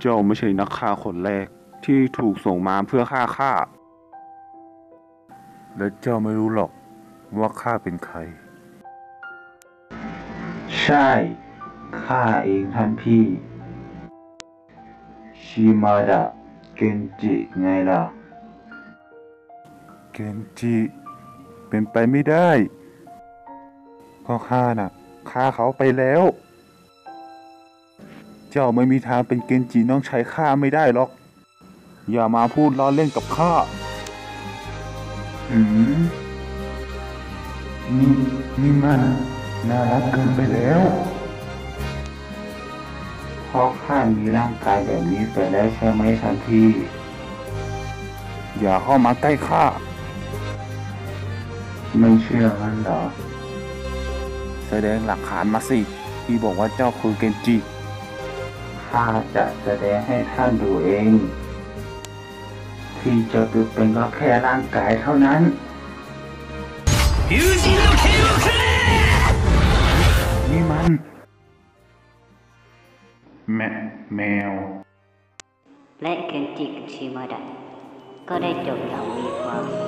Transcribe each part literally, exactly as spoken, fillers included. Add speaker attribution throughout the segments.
Speaker 1: เจ้าไม่ใช่นักฆ่าคนแรกที่ถูกส่งมาเพื่อฆ่าข้าและเจ้าไม่รู้หรอกว่าข้าเป็นใคร
Speaker 2: ใช่ข้าเองท่านพี่ชิมาดะเกนจิไงล่ะ
Speaker 1: เกนจิเป็นไปไม่ได้เพราะข้าน่ะฆ่าเขาไปแล้วเจ้าไม่มีทางเป็นเกนจิน้องชายข้าไม่ได้หรอกอย่ามาพูดล้อเล่นกับข้า
Speaker 2: หืมนี่นี่มันน่ารักเกินไปแล้วเพราะข้ามีร่างกายแบบนี้ไปแล้วใช่ไหมท่านพี่
Speaker 1: อย่าเข้ามาใกล้ข้า
Speaker 2: ไม่เชื่อมันเหรอ
Speaker 1: แสดงหลักฐานมาสิที่บอกว่าเจ้าคือเกนจิ
Speaker 2: ข้าจะแสดงให้ท่านดูเองที่เจ้าตัวเป็นก็แค่ร่างกายเท่านั้น
Speaker 1: นี่มันแมแมว
Speaker 3: และเคนจิกับชิมาดะก็ได้จบอย่างมีความสุข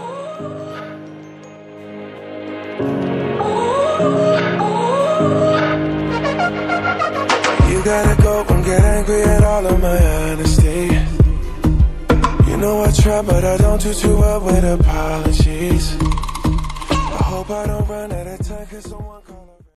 Speaker 4: You gotta go and get angry at all of my honesty. You know I try, but I don't do too well with apologies. I hope I don't run out of time, cause someone